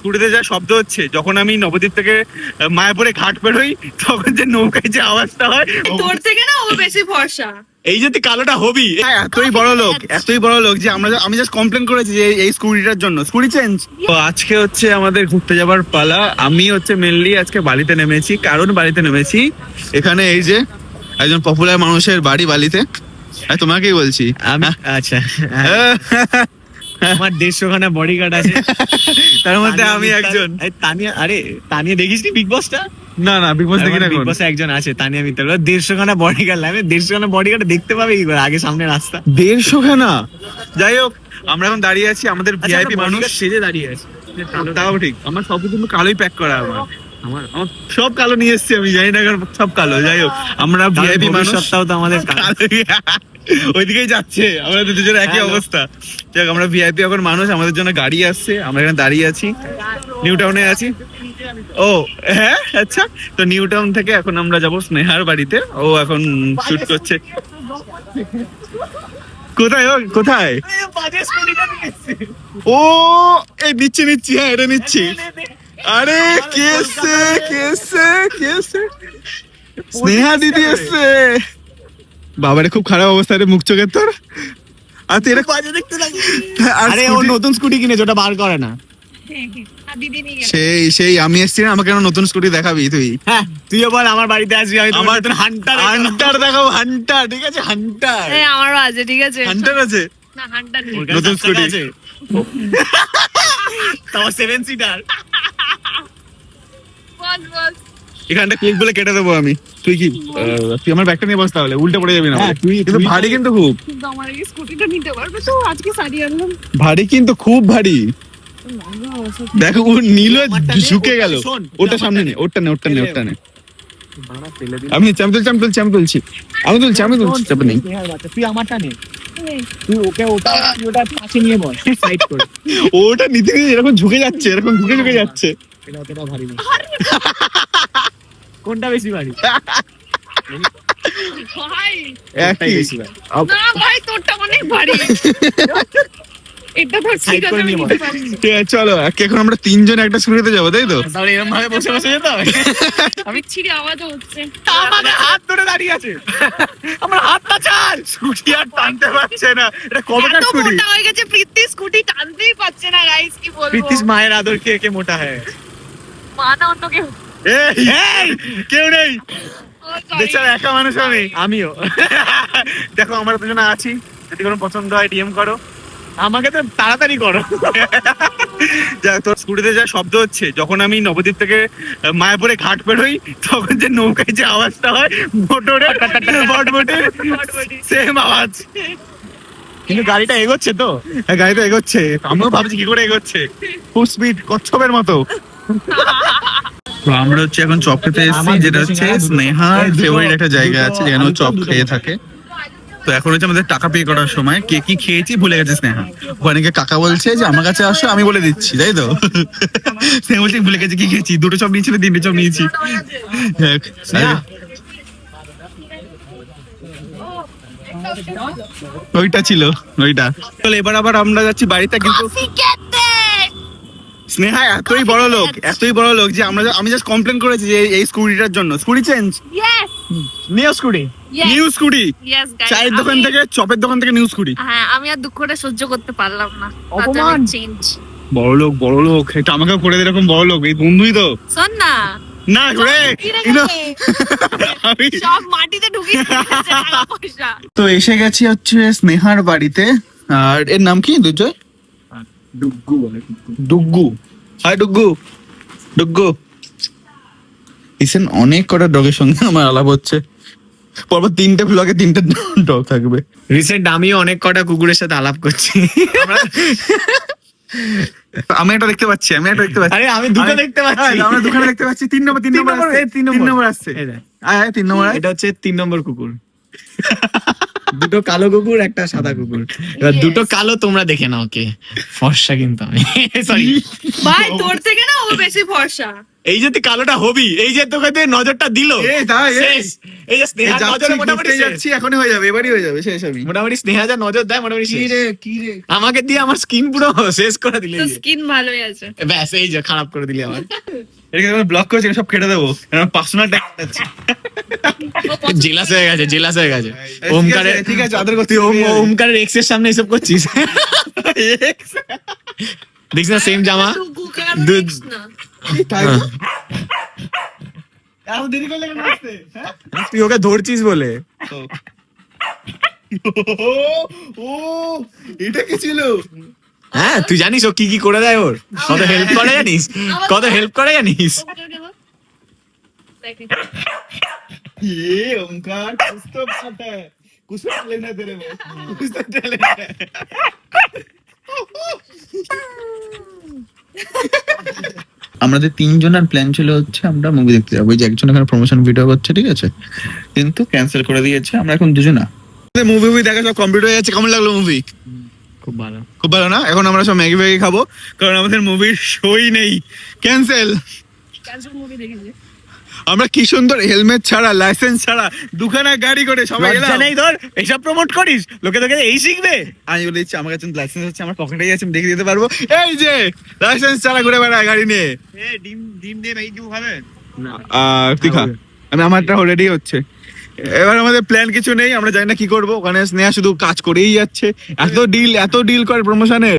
স্কুটিতে যা শব্দ হচ্ছে, যখন আমি নবদ্বীপ থেকে মায়াপুরে ঘাট বেরোই তখন যে নৌকায় যে আওয়াজটা হয়, তোর থেকে না ও বেশি ভরসা। এই যে তুই কালোটা হবি, এতই বড় লোক যে আমি জাস্ট কমপ্লেন করেছি যে এই স্কুটিটার জন্য স্কুটি চেঞ্জ। তো আজকে হচ্ছে আমাদের ঘুরতে যাবার পালা। আমি হচ্ছে মেনলি আজকে বালিতে নেমেছি। কারণ বালিতে নেমেছি, এখানে এই যে একজন পপুলার মানুষের বাড়ি বালিতে, তোমাকেই বলছি। আচ্ছা, আমার 150 খানা বডিগার্ড আছে, তার মধ্যে আমি একজন। তানিয়া, আরে তানিয়া দেখিস নি বিগ বসটা? না বিগ বস দেখি না। বিগ বসে একজন আছে তানিয়া মিত্তল, 150 খানা বডিগার্ড লাগে। 150 খানা বডিগার্ড দেখতে পাবে কি করে? আগে সামনে রাস্তা 150 খানা। যাই হোক, আমরা এখন দাঁড়িয়ে আছি, আমাদের ভিআইপি মানুষ সেজে দাঁড়িয়ে আছে। তাও ঠিক, আমার সব কিছু কালোই প্যাক করা। আমার সব কালো নিয়ে এসেছি, আমি জানি না সব কালো। যাই হোক, আমরা ভিআইপি মানুষ, সপ্তাহ তো আমাদের ওইদিকেই যাচ্ছে, আমাদের দুজনের একই অবস্থা। যাক, আমরা ভিআইপি এখন মানুষ, আমাদের জন্য গাড়ি আসছে, আমরা এখানে দাঁড়িয়ে আছি, নিউ টাউনে আছি। ও হ্যাঁ, আচ্ছা। তো নিউ টাউন থেকে এখন আমরা যাব স্নেহার বাড়িতে। ও এখন শুট করছে। কোথায় কোথায়? ও এই নিচ্ছি, হ্যাঁ এটা নিচ্ছি। আরে কেসে স্নেহা দিদি এসছে। বাবারে খুব খারাপ অবস্থা রে, মুখ চোখের তোর। আচ্ছা, এটা বাজে দেখতে লাগে। আরে ও নতুন স্কুটি কিনেছে, ওটা বার করে না। সেই আমি এসছি না, আমাকে নতুন স্কুটি দেখাবি তুই? হ্যাঁ, তুইও বল আমার বাড়িতে আসবি, আমি তোমার নতুন হান্টার দেখাবো। হান্টার, ঠিক আছে, হান্টার। হ্যাঁ আমারও আছে, ঠিক আছে। হান্টার আছে না, হান্টার নেই। নতুন স্কুটি আছে তোমার 7 সিটার। বল এখানটা ক্লিক বলে কেটে দেবো আমি। তুই আমার ব্যাগটা নিয়ে বস, তাহলে উল্টে পড়ে যাবি না। কিন্তু ভারী, কিন্তু খুব কিন্তু আমার এই স্কুটিটা নিতে পারবে তো? আজকে সারিয়ে আনলাম। ভারী, কিন্তু খুব ভারী। দেখো ও নিল, ঝুঁকে গেল। ওটা সামনে নে, ওটা নে। আমি তুলছি চাপ নেই। তুই আমারটা নে, তুই ওটা পাশে নিয়ে বল, সাইড করে। ওটা নিতে এরকম ঝুঁকে যাচ্ছে, এটা ভারী না। কোনটা বেশি ভারী? ভাই একই। না ভাই, তোরটা অনেক ভারী। এটা তো ঠিক আছে, আমি নিতে পারি। ঠিক আছে, চলো এখন আমরা 3 জন একটা স্কুটিতে যাবো, তাই তো? তাহলে এরকম ভাবে বসে যেতে হবে। আমি ছিড়ি আওয়াজও হচ্ছে। আমাদের হাত ধরে দাঁড়িয়ে আছে, আমার হাতটা ছাড়। স্কুটি আর টানতে পারছে না। এটা কবেকার এত স্কুটি? মোটা হয়ে গেছে প্রীতি, স্কুটি টানতেই পারছে না। গাইস কি বলবো, প্রীতিশ মায়ের আদর কে মোটা হয়? মা না অন্য কেউ। এই কেউ নেই, বেচারা একা মানুষ। আমিও। দেখো, আমরা দুজনে আছি, যদি কোনো পছন্দ হয় ডিএম করো। আমাকে তো তাড়াতাড়ি করো। যা, তোর স্কুটিতে যা শব্দ হচ্ছে, যখন আমি নবদ্বীপ থেকে মায়াপুরে ঘাট বেরোই তখন যে নৌকায় যে আওয়াজটা হয়, মোটরের বটবটির সেম আওয়াজ। কিন্তু গাড়িটা এগোচ্ছে তো। গাড়িতে এগোচ্ছে, আমিও ভাবছি কি করে এগোচ্ছে, খুব স্পিড, কচ্ছপের মতো। তো আমরা হচ্ছে এখন চপ খেতে এসেছি, যেটা হচ্ছে স্নেহার ফেভারিট একটা জায়গা আছে যেখানে ও চপ খেয়ে থাকে। তো এখন হচ্ছে আমাদের টাকা পে করার সময়, কে কি খেয়েছি ভুলে গেছে স্নেহা। ওখানে গিয়ে কাকা বলছে যে আমার কাছে আসো, আমি বলে দিচ্ছি, তাই তো? স্নেহা বলছে ভুলে গেছে কি খেয়েছি, 2টো চপ নিয়েছিল, 3টে চপ নিয়েছি। ওইটা ছিল ওইটা। চলো এবার আবার আমরা যাচ্ছি বাড়িতে। কিন্তু স্নেহা এতই বড় লোক যে আমি জাস্ট কমপ্লেন করেছি যে এই স্কুটিটার জন্য scooty change. New scooty, new scooty, চায়ের দোকান থেকে, চপের দোকান থেকে নিউ স্কুটি। হ্যাঁ, আমি আর দুঃখটা সহ্য করতে পারলাম না। অপমান। চেঞ্জ। বড় লোক এটা আমাকেও করে দে, এরকম বড় লোক। এই বন্ধুই তো। শোন না, না রে, আমি সব মাটিতে ঢুকিয়ে দিয়েছে টাকা পয়সা। তো এসে গেছি হচ্ছে স্নেহার বাড়িতে। আর এর নাম কি? দুজয় ডুগ্গু। হাই ডুগ্গু। ইসেন অনেক কটা ডগের সঙ্গে আমার আলাপ হচ্ছে। পরপর 3টে ব্লগে 3টে ডগ থাকবে। রিসেন্ট আমিও অনেক কটা কুকুরের সাথে আলাপ করছি। আমি একটা দেখতে পাচ্ছি। আরে আমি দুটো দেখতে পাচ্ছি। আমরা দুখানে দেখতে পাচ্ছি। 3 নম্বর আসছে। 3 নম্বর আসছে। 3 নম্বর। এটা হচ্ছে 3 নম্বর কুকুর। দুটো কালো কুকুর একটা সাদা কুকুর, এবার Yes. দুটো কালো তোমরা দেখে নাও কে ফর্সা, কিন্তু আমি সরি ভাই তোর থেকে না ও বেশি ফর্সা। এই যে তুই কালোটা হবি, এই যে তোকে তুই নজরটা দিল শেষ। এই যে স্নেহা নজরে মোটামুটি শেষ। যাচ্ছি এখনই হয়ে যাবে, এবারই হয়ে যাবে শেষ আমি। মোটামুটি স্নেহা যা নজর দেয় মোটামুটি কি শেষ। রে কি রে আমাকে দিয়ে আমার স্কিন পুরো শেষ করে দিলে, তো স্কিন ভালোই আছে। ব্যাস এই যে খারাপ করে দিলি আমার। এটাকে আমি ব্লক করেছি, সব কেটে দেবো, কারণ পার্সোনাল ট্যাগ আছে। জেলাস হয়ে গেছে, জেলাস হয়ে গেছে। ঠিক ওমকারের আছে, ঠিক আছে, আদর করতে তুই ওমকারের এক্স এর সামনে এসব করছিস। দেখিস না সেম জামা। দুধ- এত দেরি করলে কেন আসতে? হ্যাঁ? তুই ওকে ধরছিস বলে। ও এটা কি ছিল? হ্যাঁ তুই জানিস ও কি কি করে দেয়, ওর কত হেল্প করে জানিস, কত হেল্প করে জানিস। ये ओमकार कुछ तो बात है, कुछ तो टैलेंट है तेरे में, कुछ तो टैलेंट है। আমাদের তিনজনের প্ল্যান ছিল হচ্ছে আমরা মুভি দেখতে যাবো, ওই যে একজন এখানে প্রমোশন ভিডিও করছে, ঠিক আছে, কিন্তু ক্যান্সেল করে দিয়েছে। আমরা এখন দুজনা মুভি দেখা সব কমপ্লিট হয়ে যাচ্ছে। কেমন লাগলো মুভি? খুব ভালো। খুব ভালো না? এখন আমরা সব ম্যাগি ম্যাগি খাবো, কারণ আমাদের মুভির শোই নেই, ক্যান্সেল। আমরা কি সুন্দর হেলমেট ছাড়া, লাইসেন্স ছাড়া, দুখানা গাড়ি করে সবাই লজ্জা গেলাম। নেই তোর, এইসব প্রমোট করিস, লোকে তোকে এই শিখবে। আমি বলে দিচ্ছি আমার কাছে লাইসেন্স আছে, আমার পকেটেই আছে, আমি দেখে দিতে পারবো। এই যে লাইসেন্স ছাড়া ঘুরে বেড়ায় গাড়ি নিয়ে। ডিম দিয়ে ভাই কেউ খাবে না। তুই খা, আমি আমারটা অলরেডি হচ্ছে। এবার আমাদের প্ল্যান কিছু নেই, আমরা জানি না কি করবো। ওখানে স্নেহা শুধু কাজ করেই যাচ্ছে, এত ডিল করে প্রমোশনের।